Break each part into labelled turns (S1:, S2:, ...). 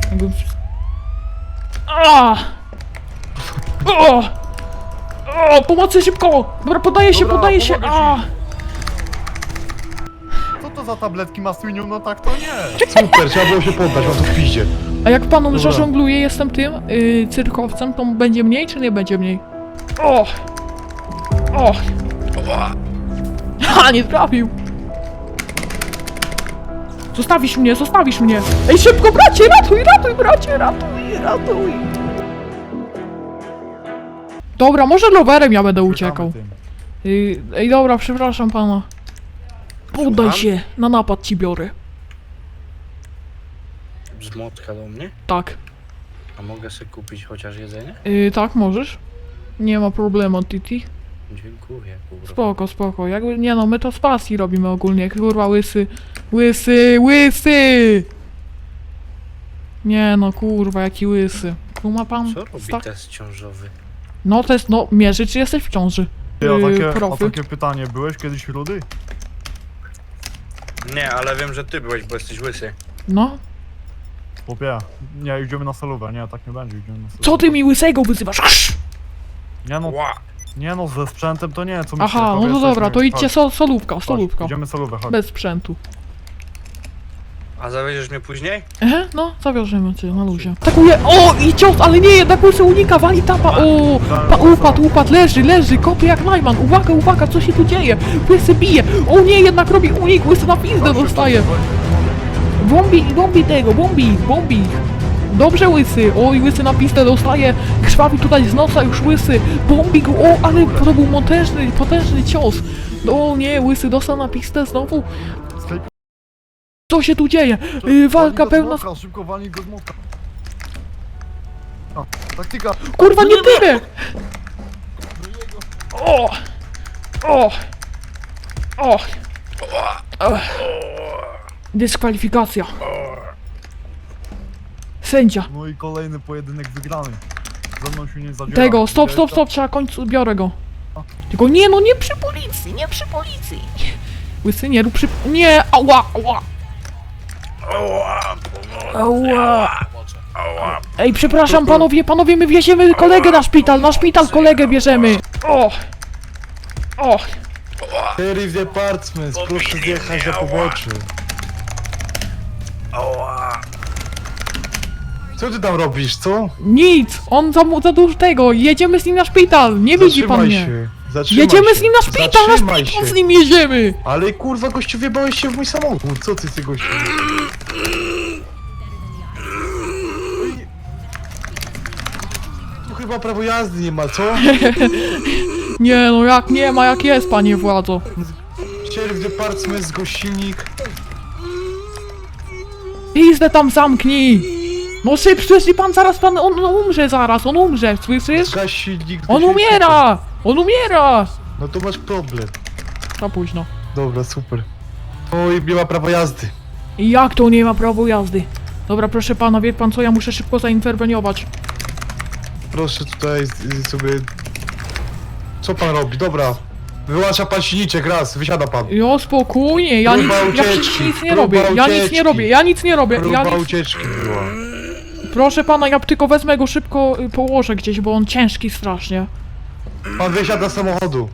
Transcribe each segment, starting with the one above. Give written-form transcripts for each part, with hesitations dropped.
S1: Jakbym... O! O! Pomocy szybko! Dobra, podaję się,
S2: Dobra,
S1: podaję się!
S2: pomogę Co to za tabletki Maswiniu? No tak to nie.
S3: Super, trzeba było się poddać, mam to w piździe.
S1: A jak panom
S3: Dobra.
S1: zażongluję, jestem tym cyrkowcem, to będzie mniej czy nie będzie mniej? O! O! Ha, nie trafił! Zostawisz mnie, zostawisz mnie! Ej, szybko, bracie, ratuj, ratuj, bracie, ratuj, ratuj! Dobra, może rowerem ja będę uciekał. Ej, dobra, przepraszam pana. Poddaj
S4: Słucham?
S1: się, na napad ci biorę.
S4: Brzmotka do mnie?
S1: Tak.
S4: A mogę sobie kupić chociaż jedzenie?
S1: Tak, możesz. Nie ma problemu, Titi.
S4: Dziękuję, kurwa.
S1: Spoko, spoko. Jakby, nie no, my to z pasji robimy ogólnie. Kurwa, łysy. Łysy, łysy! Nie no, kurwa, jaki łysy. Kuma pan?
S4: Co robi
S1: Tak?
S4: test ciążowy?
S1: No, to jest, no, mierzy, czy jesteś w ciąży.
S2: A
S1: Profy.
S2: takie pytanie, byłeś kiedyś rudy?
S4: Nie, ale wiem, że ty byłeś, bo jesteś łysy.
S1: No.
S2: Chłopie, nie, idziemy na solówę, nie, tak nie będzie, idziemy na solówę.
S1: Co ty mi łysego wyzywasz? Krz!
S2: Nie no,
S4: Ła!
S2: nie no, ze sprzętem to nie, co mi
S1: Aha, no to dobra, to idźcie solówka, solówka.
S2: Idziemy solówę, chodź.
S1: Bez sprzętu.
S4: A zawieziesz mnie później?
S1: No, zawiążemy cię na luzie. Atakuje, o, i cios, ale nie, jednak łysy unika, wali tapa, o, upadł, leży, kopie jak najman, uwaga, uwaga, co się tu dzieje? Łysy bije, o nie, jednak robi unik, łysy na pizdę dostaje. Bombi tego, bombi. Dobrze łysy, oj, łysy na pistę dostaje, krwawi tutaj z nosa już łysy, bombi go, o, ale to był potężny cios. O nie, łysy dostał na pistę znowu. Co się tu dzieje? Walka pełna...
S2: Szybko walnij go z młotka. Taktyka.
S1: Kurwa, nie tyle! O! O! O! Dyskwalifikacja. Sędzia.
S2: No i kolejny pojedynek wygrany. Ze mną się nie zadziera.
S1: Tego, stop, trzeba końcu, biorę go. Tylko nie, no nie przy policji. Łysy, nie rób przy... Nie, ała. Ej, przepraszam panowie, my wieziemy kolegę na szpital kolegę bierzemy. O!
S3: Sheriff Department, proszę zjechać na pobocze. Co ty tam robisz, co?
S1: Nic, on za dużo tego, jedziemy z nim na szpital, nie widzi pan mnie.
S3: Zatrzymaj
S1: Jedziemy
S3: się.
S1: z nim na szpital,
S3: Zatrzymaj się.
S1: z nim jedziemy.
S3: Ale kurwa, gościu, wjebałeś się w mój samochód, co ty gościu? Tu chyba prawo jazdy nie ma, co?
S1: Nie no, jak nie ma, jak jest, panie władzo.
S3: Sheriff Department, zgłoś silnik.
S1: Pizdę tam zamknij. No szybciej, pan zaraz, on umrze zaraz, on umrze, słyszysz?
S3: Zgaś silnik.
S1: On umiera!
S3: No to masz problem.
S1: Za późno.
S3: Dobra, super. Oj, nie ma prawa jazdy.
S1: I jak to nie ma prawa jazdy? Dobra, proszę pana, wie pan co, ja muszę szybko zainterweniować.
S3: Proszę tutaj sobie... Co pan robi? Dobra. Wyłącza pan silniczek, raz, wysiada pan.
S1: Jo, spokojnie, ja nic nie robię, ja nic nie robię.
S3: Próba ucieczki była.
S1: Proszę pana, ja tylko wezmę go szybko, położę gdzieś, bo on ciężki strasznie.
S3: Pan wysiada z samochodu.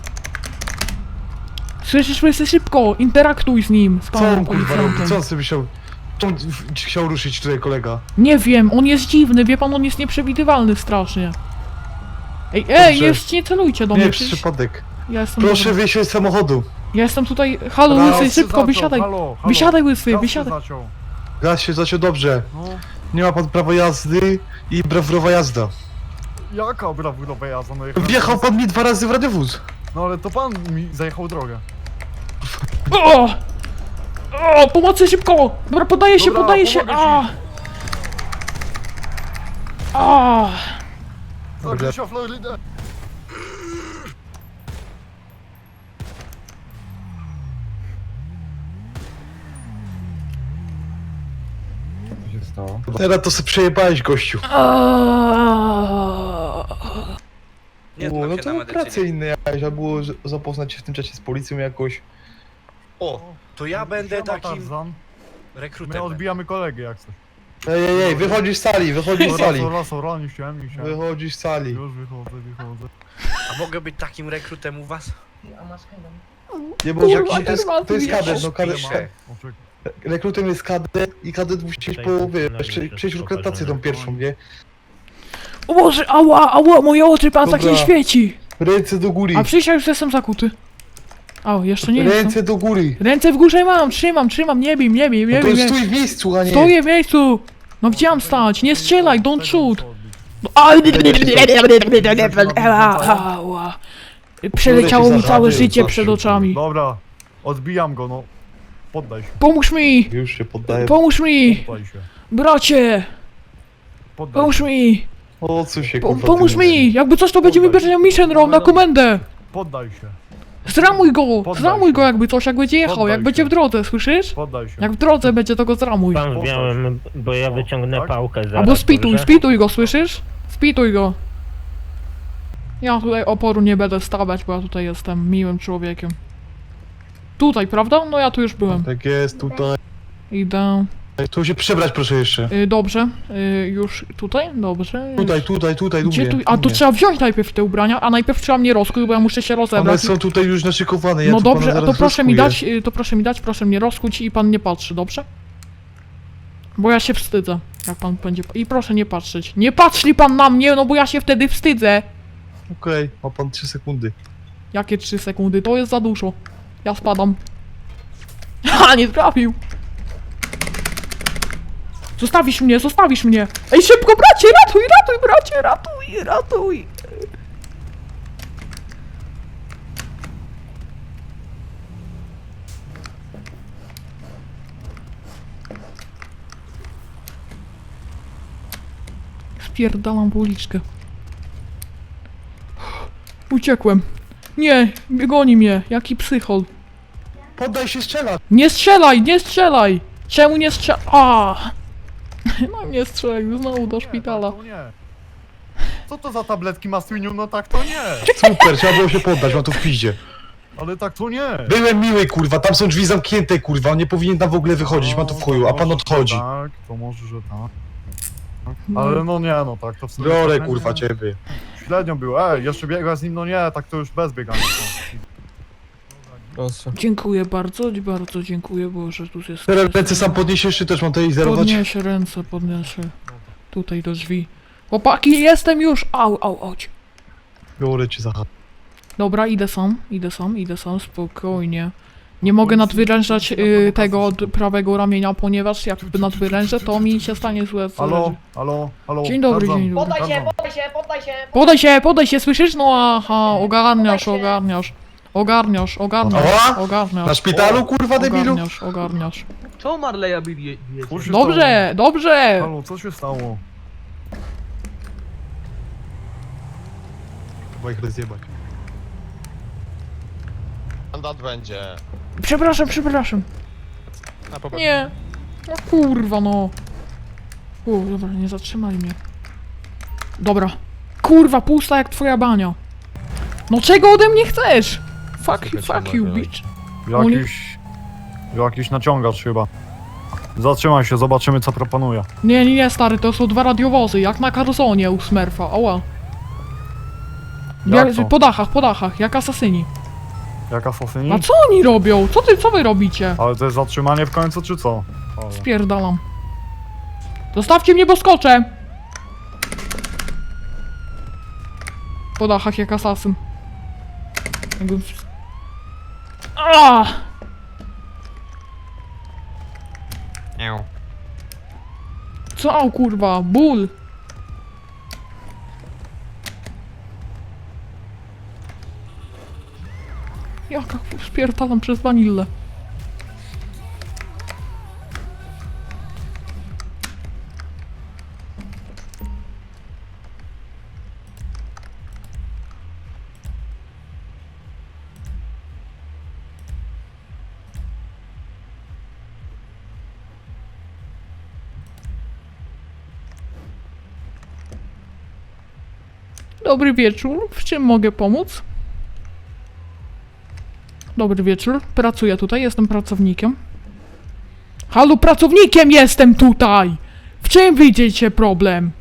S1: Słyszysz, łysy, szybko, interaktuj z nim, z
S3: Co on
S1: panem
S3: kurwa robi?
S1: policjantem.
S3: Co on sobie chciał... Co on chciał ruszyć tutaj, kolega?
S1: Nie wiem, on jest dziwny, wie pan, on jest nieprzewidywalny strasznie. Ej,
S3: Dobrze.
S1: nie celujcie do
S3: Nie,
S1: mnie,
S3: przez
S1: przecież
S3: przypadek.
S1: ja jestem...
S3: Proszę
S1: dobra.
S3: wyjść z samochodu.
S1: Ja jestem tutaj, halo
S3: Raz,
S1: łysy, szybko, wysiadaj. Wysiadaj łysy, wysiadaj.
S3: Gaz się zaciął dobrze.
S2: No,
S3: Nie ma pan prawa jazdy i brawurowa jazda.
S2: jaka brawurowa jazda? No, jechałem-
S3: Wjechał pan mi 2 razy w radiowóz.
S2: No ale to pan mi zajechał drogę.
S1: O! O, pomocy szybko! Dobra, podaję się,
S2: Dobra,
S1: podaję się.
S2: pomogę Zagryź o Florydę. Co się stało?
S3: Teraz to sobie przejebałeś, gościu.
S4: Nie
S3: No
S4: znam się na
S3: to
S4: medycynie.
S3: prace inne jakieś, trzeba było zapoznać się w tym czasie z policją jakoś.
S4: O, to ja będę
S2: Siema,
S4: takim
S2: Tarzan. My
S4: rekrutem.
S2: odbijamy kolegę jak coś.
S3: Ej, wychodzisz z sali, wychodzisz z sali.
S2: Ora, nie chciałem.
S3: Wychodzisz z sali.
S2: Już wychodzę.
S4: A mogę być takim rekrutem u was?
S3: Nie, bo
S1: Kurwa,
S3: to jest kadet, no kadet.
S4: Piszę.
S3: Rekrutem jest kadet i kadet musi mieć po, wiesz, przejść rekrutację tą pierwszą, nie?
S1: O Boże, ała, moje oczy, pan tak nie
S3: Dobra.
S1: świeci.
S3: Ręce do góry.
S1: A przecież ja już jestem zakuty. O, jeszcze nie jestem.
S3: Ręce do góry.
S1: Ręce w górze mam, trzymam, nie bij.
S3: No to stój w miejscu, a nie.
S1: Stoję w miejscu! No gdzie mam stać? Nie strzelaj, don't shoot! Ała. Przeleciało mi całe życie przed oczami.
S2: Dobra, odbijam go, no. Poddaj się,
S1: Pomóż mi!
S3: Już się poddaję.
S1: Pomóż mi!
S2: poddaj się.
S1: Bracie!
S2: Poddaj
S1: Pomóż
S2: się,
S1: mi!
S3: O co się kurwa
S1: Pomóż
S3: ty
S1: mi! Jakby coś to będzie mi bierzenie mission roll na komendę!
S2: poddaj się,
S1: Zramuj go jakby coś, jak będzie jechał,
S2: Poddaj
S1: jak
S2: się.
S1: będzie w drodze, słyszysz?
S2: poddaj się.
S1: Jak w drodze będzie, to go zramuj.
S5: Pan w białym, bo ja wyciągnę
S2: tak?
S5: pałkę zaraz.
S1: Albo spituj,
S5: dobrze?
S1: spituj go, słyszysz? Spituj go. Ja tutaj oporu nie będę stawiać, bo ja tutaj jestem miłym człowiekiem. Tutaj, prawda? No ja tu już byłem.
S3: Tak jest, tutaj.
S1: Idę.
S3: Tu się przebrać proszę jeszcze.
S1: Dobrze. Już tutaj? Dobrze.
S3: Tutaj,
S1: Gdzie
S3: lubię.
S1: tu? A to trzeba wziąć najpierw te ubrania, a najpierw trzeba mnie rozkuć, bo ja muszę się
S3: One
S1: rozebrać.
S3: są tutaj już naszykowane, ja
S1: No
S3: tu pana
S1: dobrze, a to
S3: zaraz
S1: proszę mi
S3: rozkuję.
S1: dać, proszę mnie rozkuć i pan nie patrzy, dobrze? Bo ja się wstydzę, jak pan będzie... I proszę nie patrzeć. Nie patrzy pan na mnie, no bo ja się wtedy wstydzę.
S3: Okej, ma pan 3 sekundy.
S1: Jakie 3 sekundy? To jest za dużo. Ja spadam. Ha, nie trafił. Zostawisz mnie. Ej, szybko, bracie, ratuj, bracie, ratuj. Spierdalam w uliczkę. Uciekłem. Nie, goni mnie, jaki psychol.
S3: Poddaj się, strzela!
S1: Nie strzelaj! Czemu nie strzelaj? A! No nie strzelaj, znowu do szpitala.
S2: Tak to nie. Co to za tabletki Maswiniu? No tak to nie.
S3: Super, trzeba było się poddać, mam to w piździe.
S2: Ale tak to nie.
S3: Byłem miły, kurwa, tam są drzwi zamknięte, kurwa, on nie powinien tam w ogóle wychodzić, mam to w chuju, a pan
S2: może, że
S3: odchodzi.
S2: Tak, to może, że tak. Ale no nie, no tak to w sumie...
S3: Biorę,
S2: tak,
S3: kurwa,
S2: nie.
S3: ciebie.
S2: Średnio było, jeszcze biega z nim, no nie, tak to już bez biegania.
S1: Dziękuję bardzo dziękuję, Boże, tu jest...
S3: Teraz ręce sam podniesiesz, czy też mam tutaj zerować?
S1: Podniesie ręce, tutaj do drzwi. Chłopaki, jestem już! Auć.
S3: Biorę cię za
S1: Dobra, idę sam, spokojnie. Nie mogę nadwyrężać tego od prawego ramienia, ponieważ jak nadwyrężę, to mi się stanie złe. co
S2: Halo.
S1: Dzień dobry,
S2: Tarzan,
S1: dzień dobry.
S6: Poddaj się!
S1: Podaj się, słyszysz? No aha, ogarniasz.
S3: Ała? Na szpitalu, kurwa, debilu?
S1: Ogarniasz.
S6: Co Marleya bijecie?
S2: Co się stało?
S1: Dobrze!
S2: Halo, co się stało?
S3: Chyba ich rozjebać.
S7: Mandat będzie.
S1: Przepraszam.
S7: Na poważnie.
S1: Nie. No kurwa no. Dobra, nie zatrzymali mnie. Dobra. Kurwa, pusta jak twoja bania. No czego ode mnie chcesz? Fuck you, bitch.
S2: Jakiś naciągacz chyba. Zatrzymaj się, zobaczymy co proponuje.
S1: Nie, stary, to są 2 radiowozy, jak na Carzonie u Smurfa, ała.
S2: Jak to?
S1: Po dachach, jak asasyni.
S2: Jak asasyni?
S1: A co oni robią? Co wy robicie?
S2: Ale to jest zatrzymanie w końcu, czy co? Halo.
S1: Spierdalam. Zostawcie mnie, bo skoczę! Po dachach jak asasyn. Jakbym... Co, kurwa? Ból! Jaka spierdalam przez wanillę. Dobry wieczór, w czym mogę pomóc? Dobry wieczór, pracuję tutaj, jestem pracownikiem. Halo, pracownikiem jestem tutaj! W czym widzicie problem?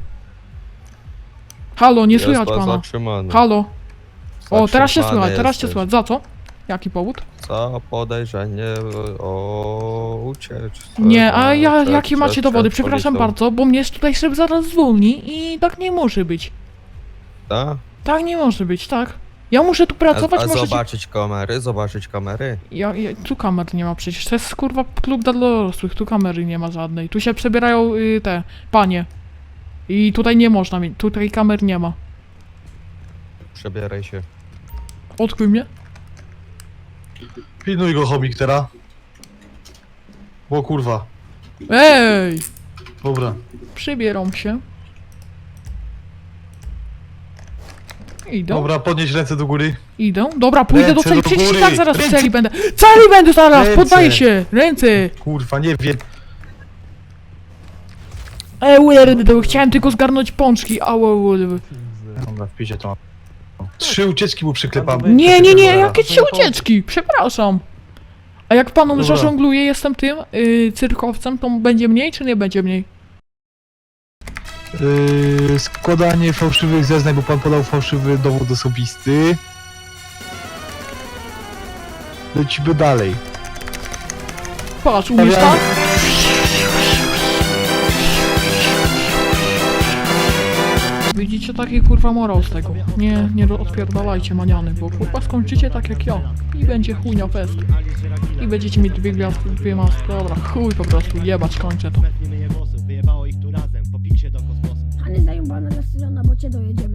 S1: Halo, nie słychać pana.
S7: zatrzymany.
S1: Halo. O, teraz się
S7: Zatrzymany
S1: słychać, teraz się
S7: jesteś.
S1: słychać. Za co? Jaki powód?
S7: Za podejrzenie o ucieczce.
S1: Nie, a ja,
S7: przed-
S1: jakie macie
S7: przed
S1: dowody? Przepraszam
S7: policją.
S1: bardzo, bo mnie tutaj szef zaraz zwolni i tak nie może być.
S7: Tak?
S1: Tak nie może być, tak. Ja muszę tu pracować,
S7: A
S1: możecie...
S7: zobaczyć kamery.
S1: Tu kamer nie ma przecież, to jest kurwa klub dla dorosłych, tu kamery nie ma żadnej. Tu się przebierają te panie. I tutaj nie można mieć, tutaj kamer nie ma.
S7: Przebieraj się.
S1: Odkryj mnie.
S3: Pilnuj go, chomik, teraz. O kurwa.
S1: Ej!
S3: Dobra.
S1: Przybieram się. Idę,
S3: Dobra, podnieś ręce do góry.
S1: idę. Dobra, pójdę do
S3: Ręce
S1: celi,
S3: do
S1: przecież i
S3: góry.
S1: tak zaraz w
S3: Ręce.
S1: celi będę. Celi będę zaraz,
S3: Ręce.
S1: poddaję się! Ręce!
S3: Kurwa, nie wiem.
S1: To chciałem tylko zgarnąć pączki,
S3: Dobra, wpiszę to. 3 ucieczki mu przyklepam.
S1: Nie, jakie 3 ucieczki, przepraszam. A jak panu
S3: Dobra.
S1: zażongluję, jestem tym cyrkowcem, to będzie mniej czy nie będzie mniej?
S3: Składanie fałszywych zeznań, bo pan podał fałszywy dowód osobisty. Lecimy dalej.
S1: Patrz, umiesz tak? Widzicie taki kurwa morał z tego. Nie odpierdalajcie maniany, bo kurwa skończycie tak jak ja. I będzie chujnia fest. I będziecie mieć 2 gwiazdki, 2 maski. Dobra, chuj po prostu, jebać, kończę to.
S8: Hany zajebana na Sylona, bo cię dojedziemy.